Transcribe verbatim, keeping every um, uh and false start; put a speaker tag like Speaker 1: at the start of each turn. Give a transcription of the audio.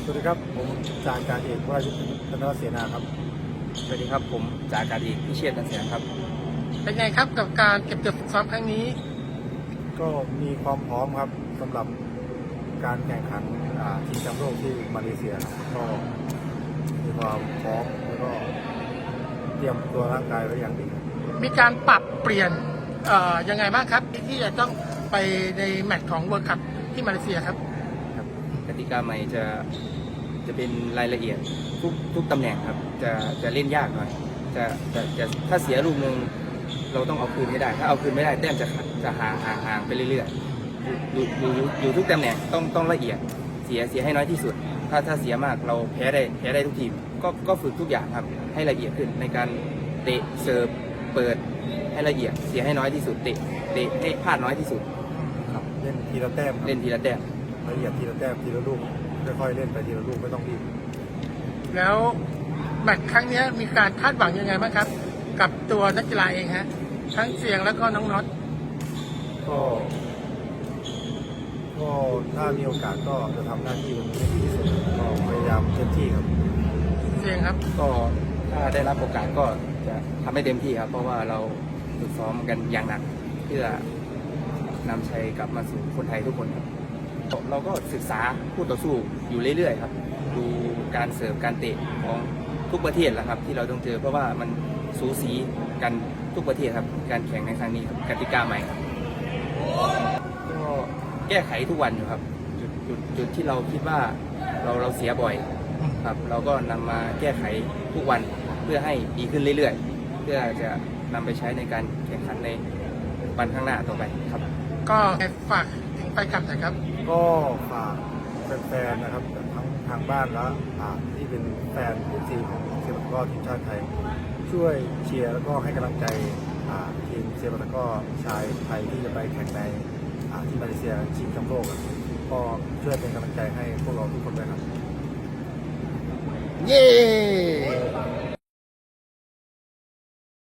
Speaker 1: สวัสดีครับผมจ่าอากาศเอกวรายุทธ์ธนวัฒน์เสนาครับ
Speaker 2: สวัสดีครับผมจ่าอากาศเอกพิเชษฐ์กันเสียงครับ
Speaker 3: เป็นไงครับกับการเก็บตัวฝึกซ้อมครั้งนี้
Speaker 1: ก็มีความพร้อมครับสำหรับการแข่งขันชิงแชมป์โลกที่มาเลเซียก็มีความพร้อมแล้วก็เตรียมตัวร่างกายไว้อย่างดีครับ
Speaker 3: มีการปรับเปลี่ยนเอ่อยังไงบ้างครับที่จะต้องไปในแมตช์ของเวิลด์คัพที่มาเลเซียครับ
Speaker 2: ครับกติกาใหม่จะจะเป็นรายละเอียดทุกทุกตำแหน่งครับจะจะเล่นยากหน่อยจะจะจะถ้าเสียลูกหนึ่งเราต้องเอาคืนให้ได้ถ้าเอาคืนไม่ได้แต้มจะจะห่างห่างห่างไปเรื่อยๆอยู่อยู่อยู่อยู่ทุกตำแหน่งต้องต้องละเอียดเสียเสียให้น้อยที่สุดถ้าถ้าเสียมากเราแพ้ได้แพ้ได้ทุกทีมก็ก็ฝึกทุกอย่างครับให้ละเอียดขึ้นในการเตะเสิร์ฟเปิดให้ละเอียดเสียให้น้อยที่สุดเตะเตะให้พลาดน้อยที่สุด
Speaker 1: ครับเล่นทีละแต้ม
Speaker 2: เล่นทีละแต้ม
Speaker 1: ละเอียดทีละแต้มทีละลูกค่อยๆเล่นไปทีละลูกไม่ต้องรีบ
Speaker 3: แล้วแมตช์ครั้งนี้มีการคาดหวังยังไงบ้างครับกับตัวนักกีฬาเองฮะทั้งเสียงแล้วก็น้องน็อต
Speaker 1: ก็ก็ถ้ามีโอกาสก็จะทำหน้าที่ตรงนี้ให้ดีที่สุดก็พยายามเต็มที่ครับ
Speaker 3: เสียงครับ
Speaker 2: ก็ถ้าได้รับโอกาสก็จะทำให้เต็มที่ครับเพราะว่าเราฝึกซ้อมกันอย่างหนักเพื่อนำชัยกลับมาสู่คนไทยทุกคนครับเราก็ศึกษาคู่ต่อสู้อยู่เรื่อยๆครับดูการเสิร์ฟการเตะของทุกประเทศแหละครับที่เราต้องเจอเพราะว่ามันสูสีกันทุกประเทศครับการแข่งในครั้งนี้ครับกติกาใหม่ครับก็แก้ไขทุกวันอยู่ครับจุดจุดจุดที่เราคิดว่าเราเราเสียบ่อยครับเราก็นำมาแก้ไขทุกวันเพื่อให้ดีขึ้นเรื่อยๆเพื่อจะนำไปใช้ในการแข่งขันในวันข้างหน้าต่อไปครับ
Speaker 3: ก็ฝากถึงไปกลับหน่อยครับ
Speaker 1: ก็ฝากแฟนๆนะครับทั้งทางบ้านและที่เป็นแฟนทีมของเซปัตะกร้อทีมชาติไทยช่วยเชียร์แล้วก็ให้กำลังใจทีมเซปัตะกร้อชายไทยที่จะไปแข่งในที่มาเลเซียชิงแชมป์โลกก็ช่วยเป็นกำลังใจให้พวกเราทุกคนด้วยครับ
Speaker 3: เย้